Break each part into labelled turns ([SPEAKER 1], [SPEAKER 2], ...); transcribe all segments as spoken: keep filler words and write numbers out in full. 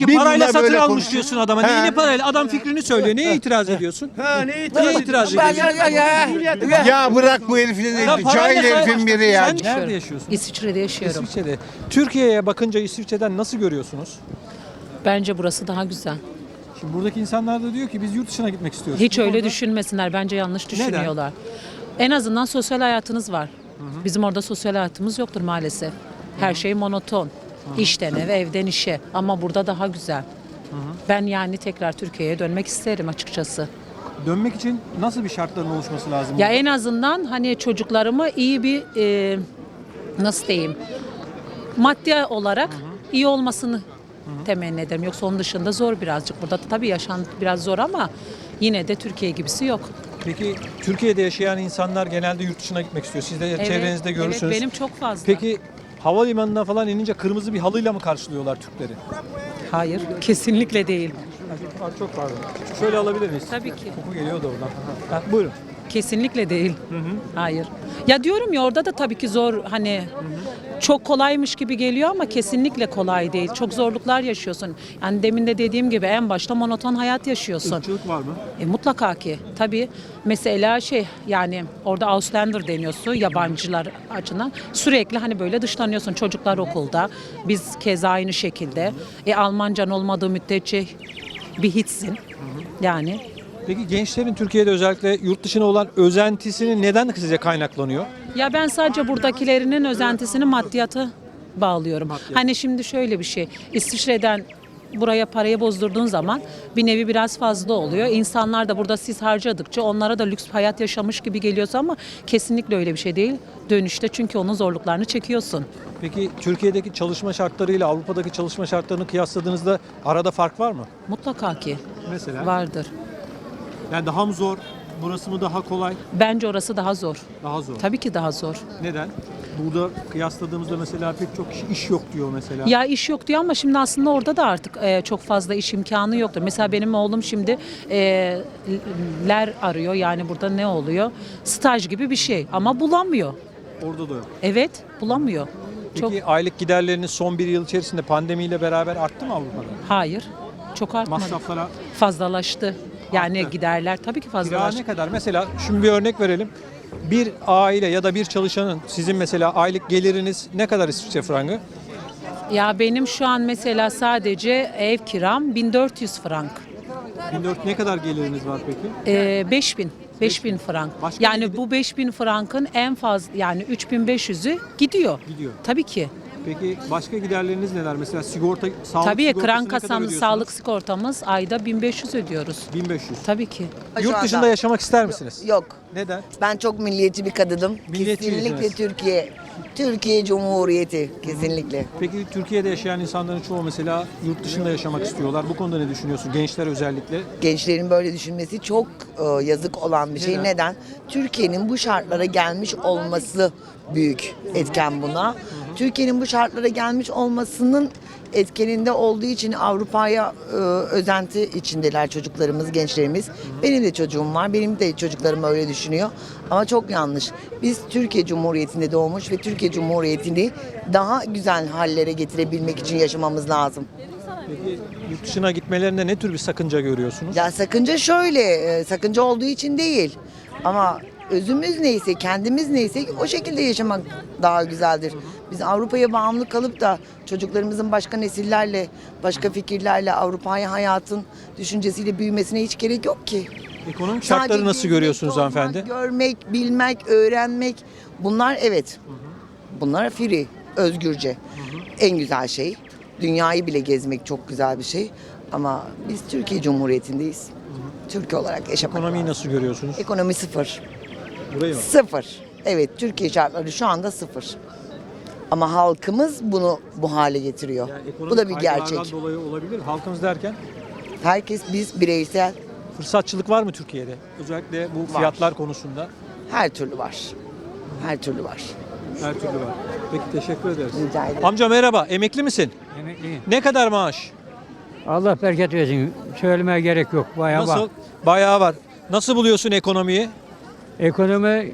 [SPEAKER 1] Bir
[SPEAKER 2] Parayla
[SPEAKER 1] bunlar
[SPEAKER 2] satın
[SPEAKER 1] böyle
[SPEAKER 2] almış
[SPEAKER 1] konuşuyor.
[SPEAKER 2] diyorsun adama.
[SPEAKER 1] He.
[SPEAKER 2] Neyine parayla? Adam fikrini söylüyor. Neye itiraz ediyorsun?
[SPEAKER 1] Ha ne
[SPEAKER 2] Neye
[SPEAKER 1] itiraz
[SPEAKER 2] itiraz
[SPEAKER 1] ediyorsun?
[SPEAKER 2] ediyorsun?
[SPEAKER 1] Ya bırak bu herifleri.
[SPEAKER 2] Ya parayla
[SPEAKER 1] Cahil
[SPEAKER 2] say-
[SPEAKER 1] herifin biri ya.
[SPEAKER 2] Sen nerede yaşıyorsun?
[SPEAKER 3] İsviçre'de yaşıyorum.
[SPEAKER 2] İsviçre'de. Türkiye'ye bakınca İsviçre'den nasıl görüyorsunuz?
[SPEAKER 3] Bence burası daha güzel.
[SPEAKER 2] Şimdi buradaki insanlar da diyor ki biz yurt dışına gitmek istiyoruz.
[SPEAKER 3] Hiç
[SPEAKER 2] Bu
[SPEAKER 3] öyle
[SPEAKER 2] konuda-
[SPEAKER 3] düşünmesinler. Bence yanlış
[SPEAKER 2] Neden?
[SPEAKER 3] düşünüyorlar. En azından sosyal hayatınız var. Bizim orada sosyal hayatımız yoktur maalesef. Her şey monoton. İşten eve, evden işe. Ama burada daha güzel. Ben yani tekrar Türkiye'ye dönmek isterim açıkçası.
[SPEAKER 2] Dönmek için nasıl bir şartların oluşması lazım?
[SPEAKER 3] Ya
[SPEAKER 2] burada?
[SPEAKER 3] en azından hani çocuklarımı iyi bir e, nasıl diyeyim maddi olarak iyi olmasını temenni ederim. Yoksa onun dışında zor birazcık. Burada da tabii yaşam biraz zor ama yine de Türkiye gibisi yok.
[SPEAKER 2] Peki Türkiye'de yaşayan insanlar genelde yurt dışına gitmek istiyor. Siz de
[SPEAKER 3] Evet,
[SPEAKER 2] çevrenizde görürsünüz.
[SPEAKER 3] Evet, benim çok fazla.
[SPEAKER 2] Peki havalimanına falan inince kırmızı bir halıyla mı karşılıyorlar Türkleri?
[SPEAKER 3] Hayır, kesinlikle değil.
[SPEAKER 2] Çok pardon. Şöyle alabilir miyiz?
[SPEAKER 3] Tabii ki.
[SPEAKER 2] Koku geliyor da oradan. Ha, buyurun.
[SPEAKER 3] Kesinlikle değil. Hayır. Ya diyorum ya orada da tabii ki zor hani çok kolaymış gibi geliyor ama kesinlikle kolay değil. Çok zorluklar yaşıyorsun. Yani demin de dediğim gibi en başta monoton hayat yaşıyorsun.
[SPEAKER 2] Irkçılık var mı?
[SPEAKER 3] E, mutlaka ki. Tabii mesela şey yani orada Auslander deniyorsun yabancılar açısından. Sürekli hani böyle dışlanıyorsun. Çocuklar okulda. Biz keza aynı şekilde. E, Almancan olmadığı müddetçe bir hiçsin. Yani
[SPEAKER 2] Peki gençlerin Türkiye'de özellikle yurt dışına olan özentisini neden size kaynaklanıyor?
[SPEAKER 3] ya ben sadece buradakilerinin özentisini maddiyata bağlıyorum. Hani şimdi şöyle bir şey. İsviçre'den buraya parayı bozdurduğun zaman bir nevi biraz fazla oluyor. İnsanlar da burada siz harcadıkça onlara da lüks hayat yaşamış gibi geliyorsa ama kesinlikle öyle bir şey değil. Dönüşte çünkü onun zorluklarını çekiyorsun.
[SPEAKER 2] Peki Türkiye'deki çalışma şartlarıyla Avrupa'daki çalışma şartlarını kıyasladığınızda arada fark var mı?
[SPEAKER 3] Mutlaka ki
[SPEAKER 2] Mesela?
[SPEAKER 3] vardır.
[SPEAKER 2] Yani daha mı zor? Burası mı daha kolay?
[SPEAKER 3] Bence orası daha zor.
[SPEAKER 2] Daha zor.
[SPEAKER 3] Tabii ki daha zor.
[SPEAKER 2] Neden? Burada kıyasladığımızda mesela pek çok kişi iş yok diyor mesela.
[SPEAKER 3] Ya iş yok diyor ama şimdi aslında orada da artık e, çok fazla iş imkanı yoktur. Mesela benim oğlum şimdi e, ler arıyor yani burada ne oluyor? Staj gibi bir şey ama bulamıyor.
[SPEAKER 2] Orada da yok.
[SPEAKER 3] Evet bulamıyor.
[SPEAKER 2] Peki
[SPEAKER 3] Çok
[SPEAKER 2] aylık giderleriniz son bir yıl içerisinde pandemiyle beraber arttı mı Avrupa'da?
[SPEAKER 3] hayır çok artmadı.
[SPEAKER 2] Masraflara
[SPEAKER 3] Fazlalaştı. Yani
[SPEAKER 2] Arttı.
[SPEAKER 3] giderler tabii ki
[SPEAKER 2] kira
[SPEAKER 3] fazlalaştı.
[SPEAKER 2] ne kadar? Mesela şimdi bir örnek verelim. Bir aile ya da bir çalışanın sizin mesela aylık geliriniz ne kadar İsviçre frangı?
[SPEAKER 3] Ya benim şu an mesela sadece ev kiram bin dört yüz frank.
[SPEAKER 2] bin dört ne kadar geliriniz var peki?
[SPEAKER 3] Ee, beş bin. beş bin frank.
[SPEAKER 2] Başka
[SPEAKER 3] Yani
[SPEAKER 2] bir-
[SPEAKER 3] bu beş bin frankın en fazla yani üç bin beş yüzü gidiyor.
[SPEAKER 2] Gidiyor.
[SPEAKER 3] Tabii ki.
[SPEAKER 2] Peki başka giderleriniz neler? Mesela sigorta, sağlık
[SPEAKER 3] Tabii
[SPEAKER 2] sigortası
[SPEAKER 3] kran
[SPEAKER 2] ne kadar
[SPEAKER 3] kasamız,
[SPEAKER 2] ödüyorsunuz?
[SPEAKER 3] sağlık sigortamız ayda bin beş yüz ödüyoruz.
[SPEAKER 2] bin beş yüz.
[SPEAKER 3] Tabii ki.
[SPEAKER 2] Yurt
[SPEAKER 4] Şu
[SPEAKER 2] dışında
[SPEAKER 4] anda-
[SPEAKER 2] yaşamak ister misiniz?
[SPEAKER 4] Yok.
[SPEAKER 2] Neden?
[SPEAKER 4] Ben çok milliyetçi bir kadınım.
[SPEAKER 2] Milliyetçiysiniz.
[SPEAKER 4] Kesinlikle Türkiye. Türkiye Cumhuriyeti. Kesinlikle.
[SPEAKER 2] Peki Türkiye'de yaşayan insanların çoğu mesela yurt dışında yaşamak istiyorlar. Bu konuda ne düşünüyorsun? Gençler özellikle.
[SPEAKER 4] Gençlerin böyle düşünmesi çok e, yazık olan bir şey.
[SPEAKER 2] Neden?
[SPEAKER 4] Neden? Türkiye'nin bu şartlara gelmiş olması büyük etken buna. Türkiye'nin bu şartlara gelmiş olmasının etkeninde olduğu için Avrupa'ya e, özenti içindeler çocuklarımız, gençlerimiz. Benim de çocuğum var. Benim de çocuklarım öyle düşünüyor. Ama çok yanlış. Biz Türkiye Cumhuriyeti'nde doğmuş ve Türkiye Cumhuriyeti'ni daha güzel hallere getirebilmek için yaşamamız lazım.
[SPEAKER 2] Peki yurt dışına gitmelerinde ne tür bir sakınca görüyorsunuz?
[SPEAKER 4] Ya sakınca şöyle, e, sakınca olduğu için değil. Ama özümüz neyse, kendimiz neyse o şekilde yaşamak daha güzeldir. Biz Avrupa'ya bağımlı kalıp da çocuklarımızın başka nesillerle, başka fikirlerle Avrupa'ya hayatın düşüncesiyle büyümesine hiç gerek yok ki.
[SPEAKER 2] Ekonomik şartları
[SPEAKER 4] Sadece
[SPEAKER 2] nasıl
[SPEAKER 4] gezmek,
[SPEAKER 2] görüyorsunuz
[SPEAKER 4] tozmak,
[SPEAKER 2] hanımefendi?
[SPEAKER 4] Görmek, bilmek, öğrenmek bunlar evet. Bunlar free, özgürce. En güzel şey. Dünyayı bile gezmek çok güzel bir şey. Ama biz Türkiye Cumhuriyeti'ndeyiz. Türkiye olarak yaşamak
[SPEAKER 2] Ekonomiyi
[SPEAKER 4] lazım.
[SPEAKER 2] nasıl görüyorsunuz?
[SPEAKER 4] Ekonomi sıfır.
[SPEAKER 2] Burayı mı?
[SPEAKER 4] Sıfır. Evet, Türkiye şartları şu anda sıfır. Ama halkımız bunu bu hale getiriyor.
[SPEAKER 2] Yani
[SPEAKER 4] Bu
[SPEAKER 2] ekonomik
[SPEAKER 4] da bir
[SPEAKER 2] kaygılardan
[SPEAKER 4] gerçek.
[SPEAKER 2] dolayı olabilir. Halkımız derken
[SPEAKER 4] Herkes biz bireysel
[SPEAKER 2] fırsatçılık var mı Türkiye'de? Özellikle bu
[SPEAKER 4] Var.
[SPEAKER 2] fiyatlar konusunda
[SPEAKER 4] her türlü var. Her türlü var.
[SPEAKER 2] her türlü var. Peki teşekkür ederiz.
[SPEAKER 4] Rica ederim.
[SPEAKER 2] Amca merhaba. Emekli misin?
[SPEAKER 5] Emekliyim.
[SPEAKER 2] Ne kadar maaş?
[SPEAKER 5] Allah bereket versin. Söylemeye gerek yok. Bayağı
[SPEAKER 2] Nasıl?
[SPEAKER 5] var.
[SPEAKER 2] Bayağı var. Nasıl buluyorsun ekonomiyi?
[SPEAKER 5] Ekonomi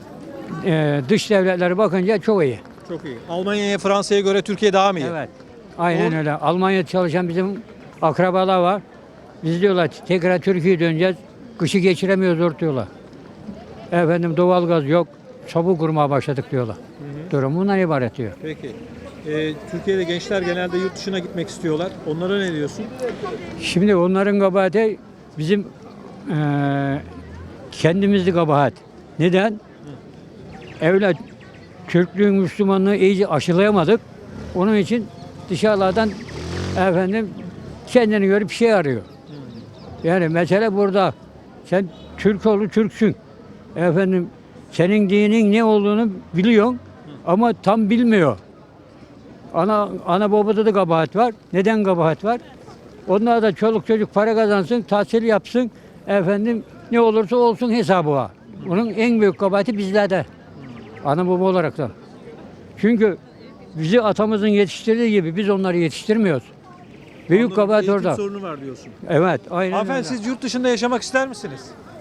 [SPEAKER 5] e, dış devletlere bakınca çok iyi.
[SPEAKER 2] Çok iyi. Almanya'ya, Fransa'ya göre Türkiye daha mı iyi?
[SPEAKER 5] Evet. Aynen
[SPEAKER 2] Doğru.
[SPEAKER 5] öyle. Almanya'da çalışan bizim akrabalar var. Biz diyorlar tekrar Türkiye'ye döneceğiz. Kışı geçiremiyoruz zor diyorlar. Efendim doğalgaz yok. Çabuk kurmaya başladık diyorlar. Durum bundan ibaret diyor.
[SPEAKER 2] Peki. Ee, Türkiye'de gençler genelde yurt dışına gitmek istiyorlar. Onlara ne diyorsun?
[SPEAKER 5] Şimdi onların kabahati bizim eee kendimizdi kabahat. Neden? Evlat Türklüğün, Müslümanlığı iyice aşılayamadık. Onun için dışarılardan efendim kendini görüp bir şey arıyor. Yani mesele burada. Sen Türk oğlu Türksün. Efendim senin dinin ne olduğunu biliyorsun ama tam bilmiyor. Ana ana babada da kabahat var. Neden kabahat var? Onlar da çoluk çocuk para kazansın, tahsil yapsın. Efendim ne olursa olsun hesabı var. Bunun en büyük kabahati bizlerde. Ana baba olarak da. Çünkü bizi atamızın yetiştirdiği gibi biz onları yetiştirmiyoruz. Büyük
[SPEAKER 2] Anladım,
[SPEAKER 5] kabahat
[SPEAKER 2] eğitim
[SPEAKER 5] orada.
[SPEAKER 2] sorunu var diyorsun.
[SPEAKER 5] Evet, aynen
[SPEAKER 2] Hanımefendi
[SPEAKER 5] öyle.
[SPEAKER 2] siz yurt dışında yaşamak ister misiniz?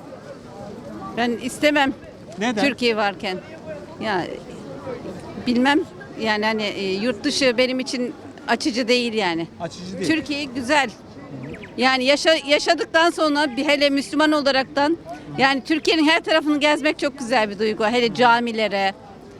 [SPEAKER 1] Ben istemem
[SPEAKER 2] Neden?
[SPEAKER 1] Türkiye varken. Ya bilmem yani hani e, yurt dışı benim için açıcı değil yani.
[SPEAKER 2] Açıcı değil.
[SPEAKER 1] Türkiye güzel. Yani yaşa, yaşadıktan sonra bir hele Müslüman olaraktan yani Türkiye'nin her tarafını gezmek çok güzel bir duygu. Hele camilere.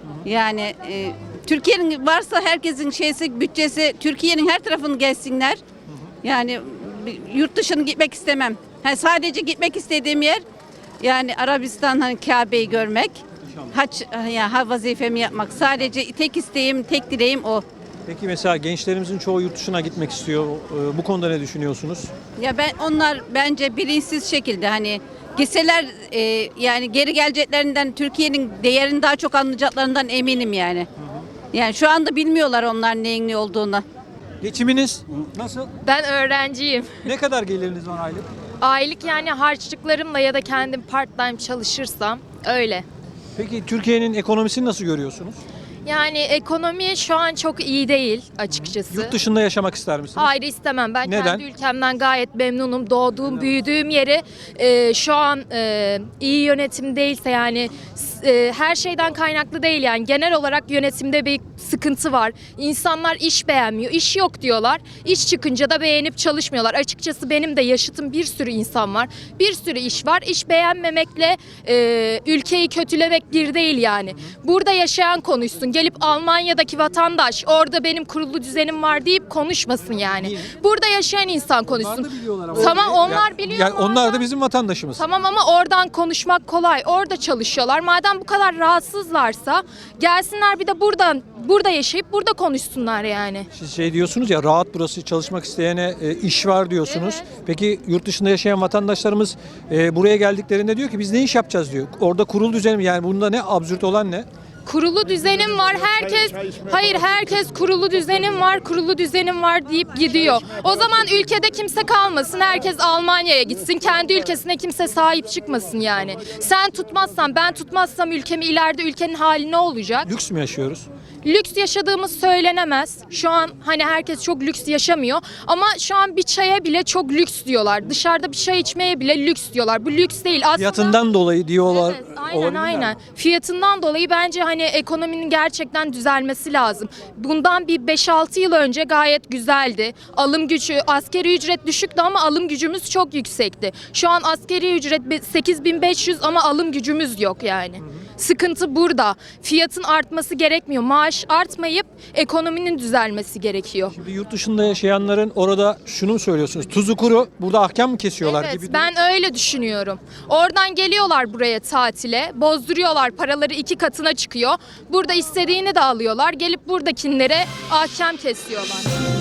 [SPEAKER 1] Yani e, Türkiye'nin varsa herkesin şeysi bütçesi Türkiye'nin her tarafını gezsinler. Yani bir- yurt dışına gitmek istemem. Ha, sadece gitmek istediğim yer yani Arabistan hani Kabe'yi görmek. Hac ya ha vazifemi yapmak. Sadece tek isteğim, tek dileğim o.
[SPEAKER 2] Peki mesela gençlerimizin çoğu yurt dışına gitmek istiyor. Ee, Bu konuda ne düşünüyorsunuz?
[SPEAKER 1] Ya ben onlar bence bilinçsiz şekilde hani gitseler e, yani geri geleceklerinden Türkiye'nin değerini daha çok anlayacaklarından eminim yani. Yani şu anda bilmiyorlar onlar neyin ne olduğunu.
[SPEAKER 2] Geçiminiz nasıl?
[SPEAKER 6] Ben öğrenciyim.
[SPEAKER 2] Ne kadar geliriniz var aylık?
[SPEAKER 6] Aylık yani harçlıklarımla ya da kendim part time çalışırsam öyle.
[SPEAKER 2] Peki Türkiye'nin ekonomisini nasıl görüyorsunuz?
[SPEAKER 6] Yani ekonomi şu an çok iyi değil açıkçası.
[SPEAKER 2] Yurt dışında yaşamak ister misiniz?
[SPEAKER 6] Hayır istemem. Ben
[SPEAKER 2] Neden?
[SPEAKER 6] kendi ülkemden gayet memnunum. Doğduğum, büyüdüğüm yeri e, şu an e, iyi yönetim değilse yani e, her şeyden kaynaklı değil yani genel olarak yönetimde bir sıkıntı var. İnsanlar iş beğenmiyor. İş yok diyorlar. İş çıkınca da beğenip çalışmıyorlar. Açıkçası benim de yaşıtım bir sürü insan var. Bir sürü iş var. İş beğenmemekle e, ülkeyi kötülemek bir değil yani. Burada yaşayan konuşsun. Gelip Almanya'daki vatandaş orada benim kurulu düzenim var deyip konuşmasın yani. Burada yaşayan insan konuşsun. Tamam onlar biliyor.
[SPEAKER 2] Yani onlar da
[SPEAKER 6] oradan-
[SPEAKER 2] bizim vatandaşımız.
[SPEAKER 6] Tamam ama oradan konuşmak kolay. Orada çalışıyorlar. Madem bu kadar rahatsızlarsa gelsinler bir de buradan burada yaşayıp burada konuşsunlar yani.
[SPEAKER 2] Siz şey diyorsunuz ya rahat burası çalışmak isteyene e, iş var diyorsunuz. Peki yurt dışında yaşayan vatandaşlarımız e, buraya geldiklerinde diyor ki biz ne iş yapacağız diyor. Orada kurul düzenim yani bunda ne absürt olan ne?
[SPEAKER 6] Kurulu düzenim var. Herkes hayır herkes kurulu düzenim var, kurulu düzenim var deyip gidiyor. O zaman ülkede kimse kalmasın. Herkes Almanya'ya gitsin. Kendi ülkesine kimse sahip çıkmasın yani. Sen tutmazsan, ben tutmazsam ülkemi ileride ülkenin hali ne olacak?
[SPEAKER 2] Lüks mü yaşıyoruz?
[SPEAKER 6] Lüks yaşadığımız söylenemez. Şu an hani herkes çok lüks yaşamıyor ama şu an bir çaya bile çok lüks diyorlar. Dışarıda bir çay içmeye bile lüks diyorlar. Bu lüks değil. Aslında
[SPEAKER 2] Fiyatından dolayı diyorlar.
[SPEAKER 6] Evet, aynen
[SPEAKER 2] olabilir mi?
[SPEAKER 6] aynen. Fiyatından dolayı bence hani ekonominin gerçekten düzelmesi lazım. Bundan bir beş altı yıl önce gayet güzeldi. Alım gücü, askeri ücret düşüktü ama alım gücümüz çok yüksekti. Şu an askeri ücret sekiz bin beş yüz ama alım gücümüz yok yani. Sıkıntı burada. Fiyatın artması gerekmiyor. Maaş artmayıp ekonominin düzelmesi gerekiyor.
[SPEAKER 2] Şimdi yurt dışında yaşayanların orada şunu mu söylüyorsunuz? Tuzu kuru burada ahkam mı kesiyorlar
[SPEAKER 6] Evet,
[SPEAKER 2] gibi?
[SPEAKER 6] ben öyle düşünüyorum. Oradan geliyorlar buraya tatile, bozduruyorlar, paraları iki katına çıkıyor. Burada istediğini de alıyorlar, gelip buradakilere ahkam kesiyorlar.